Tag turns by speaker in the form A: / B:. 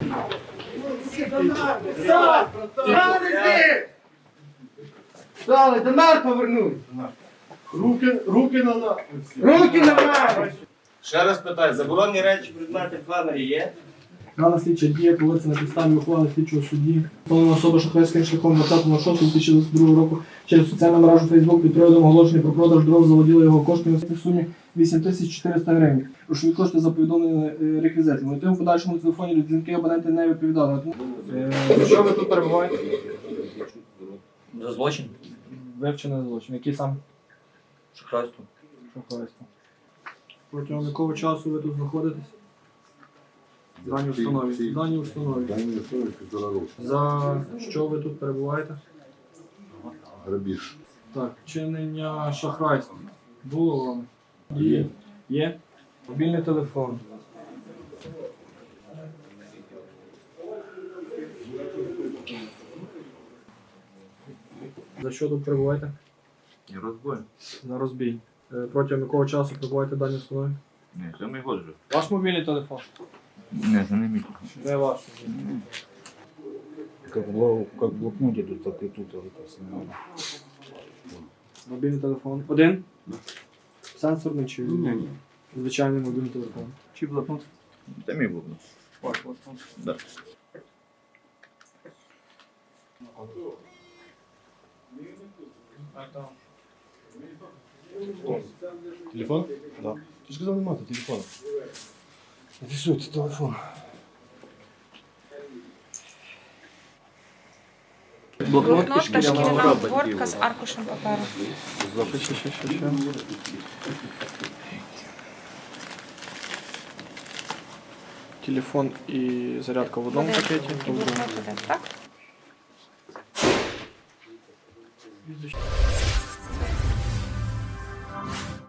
A: Стали, донар повернуть. Руки на нас. Руки на нас.
B: Ще раз питаю, заборонені речі, предмети в планері є?
C: Дана слідча дія проводиться на підставі ухвали слідчого судді. Встановлена особа шахрайським шляхом 20.06.2022 року через соціальну мережу Facebook під приводом оголошення про продаж дров заводіла його коштами в сумі 8400 гривень. Грошові кошти за повідомлені реквізитами. У тим подальшому телефоні до дзвінки абоненти не відповідали. Що ви тут перебуваєте?
D: За злочин?
C: Вивчений злочин. Який сам?
D: Шахрайство.
C: Шахрайство. Протягом якого часу ви тут знаходитесь? Дані установі. Дані установі. За що ви тут перебуваєте?
E: Грабіж.
C: Так, чинення шахрайства. Було вам? Є. Є? Мобільний телефон. За що тут перебуваєте?
D: Розбой.
C: На розбій. Протягом якого часу перебуваєте в даній установі?
D: Не, це мій год вже.
C: Ваш мобільний телефон?
D: Не, це не мій.
C: Де ваш?
E: Как в блокноте тут, так и тут.
C: Мобільний телефон. Один? Сенсорний чи звичайний мобільний телефон?
D: Чи блокнот? Це мій блокнот.
C: Ваш блокнот.
D: Да.
E: Телефон? Да. Ты же сказал, нема телефона. Это все, это телефон.
C: Блокнот
F: Блокнот та шкіряна обгортка з аркушем паперу.
C: Телефон і зарядка в одному пакеті.
F: І блокнот один, так?